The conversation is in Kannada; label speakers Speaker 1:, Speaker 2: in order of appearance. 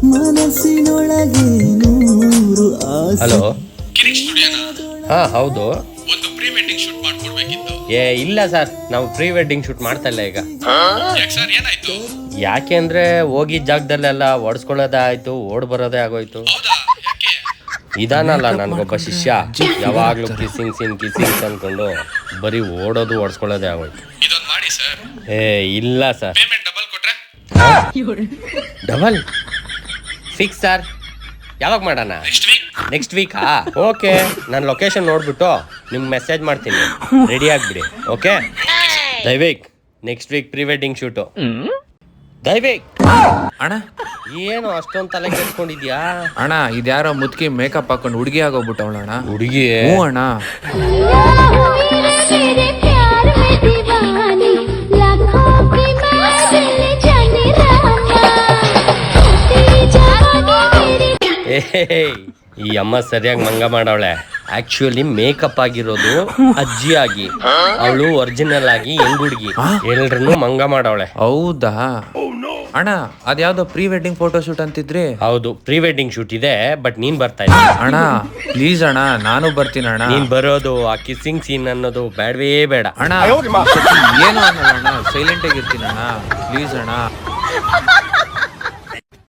Speaker 1: ಮನಸ್ಸಿನೊಳಗೆ ನೂರು ಆಸೆ.
Speaker 2: ಹಲೋ,
Speaker 3: ಕಿರಿಕ್ ಸ್ಟುಡಿಯೋನಾ?
Speaker 2: ಹಾ ಹೌದು.
Speaker 3: ಒಂದು ಪ್ರೀ ವೆಡ್ಡಿಂಗ್ ಶೂಟ್ ಮಾಡ್ಕೊಡ್ಬೇಕಿತ್ತು.
Speaker 2: ಇಲ್ಲ ಸರ್, ನಾವು ಪ್ರೀ ವೆಡ್ಡಿಂಗ್ ಶೂಟ್ ಮಾಡ್ತಾ ಇಲ್ಲ ಈಗ.
Speaker 3: ಯಾಕೆ ಸರ್, ಏನಾಯ್ತು?
Speaker 2: ಯಾಕೆ ಅಂದ್ರೆ ಹೋಗಿದ್ದ ಜಾಗದಲ್ಲೆಲ್ಲ ಒಡ್ಸ್ಕೊಳ್ಳೋದೇ ಆಯ್ತು, ಓಡ್ ಬರೋದೇ ಆಗೋಯ್ತು.
Speaker 3: ಹೌದಾ, ಯಾಕೆ?
Speaker 2: ಇದಾನಲ್ಲ ನನ್ಗೊಬ್ಬ ಶಿಷ್ಯ, ಯಾವಾಗ್ಲೂ ಕಿಸಿಂಗ್ ಅನ್ಕೊಂಡು ಬರೀ ಓಡೋದು ಓಡಿಸ್ಕೊಳ್ಳೋದೇ ಆಗೋಯ್ತು.
Speaker 3: ಇದೊಂದು ಮಾಡಿ ಸರ್.
Speaker 2: ಇಲ್ಲ ಸರ್.
Speaker 3: ಪೇಮೆಂಟ್ ಡಬಲ್ ಕೊಟ್ರೆ?
Speaker 2: Double fix sir. ಯಾವಾಗ ಮಾಡೋಣ? ನೆಕ್ಸ್ಟ್ ವೀಕಾ? ಓಕೆ, ನಾನು ಲೊಕೇಶನ್ ನೋಡ್ಬಿಟ್ಟು ನಿಮ್ಗೆ ಮೆಸೇಜ್ ಮಾಡ್ತೀನಿ, ರೆಡಿ ಆಗಿಬಿಡಿ. Okay Daivik, next week pre wedding shoot. Daivik
Speaker 4: ಅಣ್ಣ,
Speaker 2: ಏನು ಅಷ್ಟೊಂದು ತಲೆ ಕೆಡ್ಸ್ಕೊಂಡಿದ್ಯಾ?
Speaker 4: ಅಣ್ಣ ಇದ್ಯಾರೋ ಮುದ್ಕಿ ಮೇಕಪ್ ಹಾಕೊಂಡು ಹುಡುಗಿ ಆಗೋಗ್ಬಿಟ್ಟವಳ ಅಣ್ಣ.
Speaker 2: ಹುಡುಗಿ?
Speaker 4: ಹ್ಞೂ ಅಣ್ಣ.
Speaker 2: ಈ ಅಮ್ಮ ಸರಿಯಾಗಿ ಮಂಗ ಮಾಡವಳೆ. ಆಕ್ಚುಲಿ ಮೇಕಪ್ ಆಗಿರೋದು ಅಜ್ಜಿ ಆಗಿ, ಅವಳು ಒರಿಜಿನಲ್ ಆಗಿ ಹೆಂಗ್ ಹುಡುಗಿ, ಎಲ್ರನ್ನೂ ಮಂಗ ಮಾಡವಳೆ.
Speaker 4: ಹೌದಾ ಅಣ್ಣ? ಅದ್ಯಾವ್ದೋ ಪ್ರೀ ವೆಡ್ಡಿಂಗ್ ಫೋಟೋ ಶೂಟ್ ಅಂತಿದ್ರಿ?
Speaker 2: ಹೌದು, ಪ್ರೀ ವೆಡ್ಡಿಂಗ್ ಶೂಟ್ ಇದೆ, ಬಟ್ ನೀನ್ ಬರ್ತಾ ಇಲ್ಲ.
Speaker 4: ಅಣ್ಣ ಪ್ಲೀಸ್ ಅಣ್ಣ, ನಾನು ಬರ್ತೀನಿ ಅಣ್ಣ.
Speaker 2: ನೀನ್ ಬರೋದು ಆ ಕಿಸ್ಸಿಂಗ್ ಸೀನ್ ಅನ್ನೋದು ಬೇಡವೇ ಬೇಡ
Speaker 4: ಅಣ್ಣ. ಏನು ಅನ್ನಲ್ಲ ಅಣ್ಣ, ಸೈಲೆಂಟ್ ಆಗಿರ್ತೀನಿ ಅಣ್ಣ, ಪ್ಲೀಸ್ ಅಣ್ಣ.